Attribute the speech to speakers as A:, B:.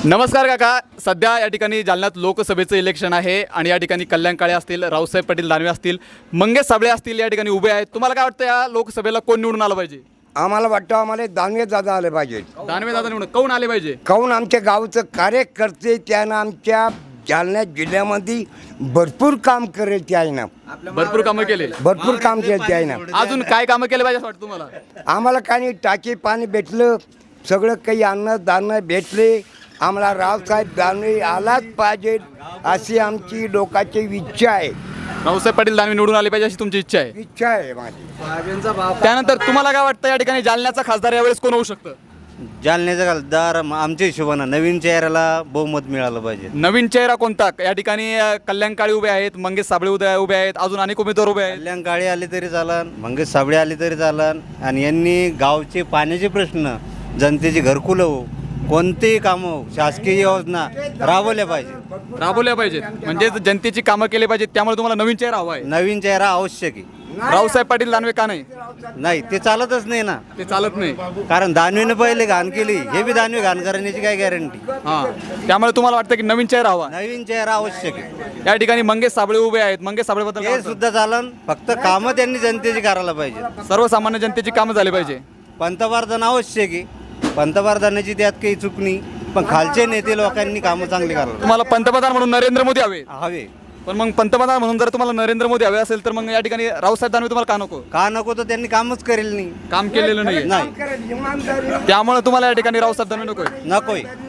A: नमस्कार काका. सध्या या ठिकाणी जालन्यात लोकसभेचं इलेक्शन आहे आणि या ठिकाणी कल्याण काळे असतील, रावसाहेब पाटील दानवे असतील, मंगेश साबळे असतील या ठिकाणी उभे आहेत. तुम्हाला काय वाटतं या लोकसभेला कोण निवडून आलं पाहिजे?
B: आम्हाला वाटतं आम्हाला दानवे दादा आले पाहिजे.
A: दानवे दादा निवडून कोण आले पाहिजे?
B: काहून आमच्या गावचं कार्यकर्ते त्यानं आमच्या जालना जिल्ह्यामध्ये भरपूर काम करेल ते आहे ना.
A: भरपूर कामं केले.
B: भरपूर काम केलं ते आहे ना.
A: अजून काय कामं केले पाहिजे असं वाटतं तुम्हाला?
B: आम्हाला काही टाकी पाणी भेटलं, सगळं काही अन्न दाणं भेटले. आम्हाला रावसाहेब दानवे आलाच पाहिजे अशी आमची लोकांची इच्छा आहे.
A: रावसाहेब पाटील दानवे निवडून आले पाहिजे अशी तुमची इच्छा आहे.
B: इच्छा आहे माझी.
A: त्यानंतर तुम्हाला काय वाटतं या ठिकाणी जालन्याचा खासदार यावेळेस कोण होऊ शकतं?
C: जालन्याचा खासदार आमच्या हिशोबानं नवीन चेहऱ्याला बहुमत मिळालं पाहिजे.
A: नवीन चेहरा कोणता? या ठिकाणी कल्याण काळे उभे आहेत, मंगेश साबळे उभे आहेत, अजून अनेक उमेदवार उभे आहेत.
C: कल्याण काळे आले तरी चालन, मंगेश साबळे आले तरी चालन. आणि यांनी गावचे पाण्याचे प्रश्न, जनतेची घरकुलं हो, कोणतेही कामं, शासकीय योजना राबवल्या पाहिजेत.
A: म्हणजे जनतेची कामं केली पाहिजेत. त्यामुळे तुम्हाला नवीन चेहरा हवा आहे.
C: नवीन चेहरा आवश्यक आहे.
A: रावसाहेब पाटील दानवे का नाही?
C: नाही, ते चालतच नाही ना.
A: ते चालत नाही.
C: कारण दानवेनं पहिले घाण केली, हे बी दानवे घाण करण्याची काय गॅरंटी?
A: हां, त्यामुळे तुम्हाला वाटतं की नवीन चेहरा हवा?
C: नवीन चेहरा आवश्यक आहे.
A: या ठिकाणी मंगेश साबळे उभे आहेत. मंगेश साबळे बद्दल
C: हे सुद्धा चालन, फक्त कामं त्यांनी जनतेची करायला पाहिजे.
A: सर्वसामान्य जनतेची कामं झाली पाहिजे.
C: पंतप्रधान आवश्यक आहे. पंतप्रधानाची त्यात काही चूक नाही, पण खालचे नेते लोकांनी कामं चांगली करायला
A: तुम्हाला पंतप्रधान म्हणून नरेंद्र मोदी हवे.
C: हवे.
A: पण मग पंतप्रधान म्हणून जर तुम्हाला नरेंद्र मोदी हवे असेल तर मग या ठिकाणी रावसाहेब दानवे तुम्हाला का नको?
C: का नको? तर त्यांनी कामच करेल नाही.
A: काम केलेलं नाही.
C: नाही,
A: त्यामुळे तुम्हाला या ठिकाणी रावसाहेब दानवे नकोय.
C: नकोय.